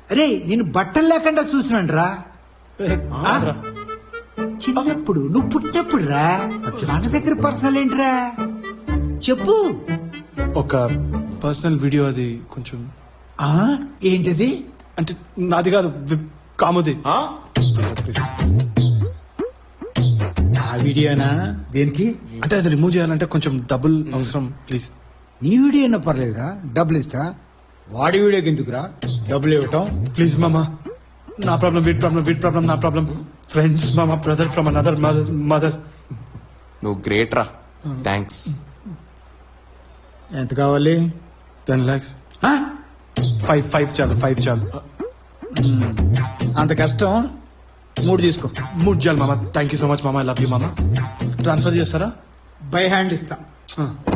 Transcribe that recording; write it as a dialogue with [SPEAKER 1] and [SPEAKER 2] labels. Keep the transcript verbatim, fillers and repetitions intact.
[SPEAKER 1] అరే నేను బట్టలు లేకుండా చూసినాను రా చిన్నప్పుడు నువ్వు పుట్టినప్పుడు రా మన దగ్గర పర్సనల్ ఏంట్రా చెప్పు.
[SPEAKER 2] ఒక పర్సనల్ వీడియో అది కొంచెం
[SPEAKER 1] ఆ ఏంటది?
[SPEAKER 2] అంటే నాది కాదు వి- కాముది.
[SPEAKER 1] ఆ వీడియోనా? దేనికి?
[SPEAKER 2] అంటే అది రిమూవ్ చేయాలంటే కొంచెం డబ్బులు అవసరం ప్లీజ్.
[SPEAKER 1] నీ వీడియో అయినా పర్లేదురా, డబ్బులు ఇస్తా. వాడి వీడియోకి ఎందుకురా డబ్బులు ఇవ్వటం?
[SPEAKER 2] ప్లీజ్ మామా, నా ప్రాబ్లం వీట్ ప్రాబ్లం వీట్ ప్రాబ్లం నా ప్రాబ్లం. ఫ్రెండ్స్ మామా, brother from another mother mother.
[SPEAKER 3] నువ్వు గ్రేట్ రా, థ్యాంక్స్.
[SPEAKER 1] ఎంత కావాలి?
[SPEAKER 2] టెన్ లాక్స్. ఫైవ్ ఫైవ్ చాలు ఫైవ్ చాలు.
[SPEAKER 1] అంత కష్టం, మూడు తీసుకో.
[SPEAKER 2] మూడు చాలు మామా. థ్యాంక్ యూ సో మచ్ మామా, ఐ లవ్ యూ మామా. ట్రాన్స్ఫర్ చేస్తారా?
[SPEAKER 1] బై హ్యాండ్ ఇస్తా.
[SPEAKER 2] ఆ.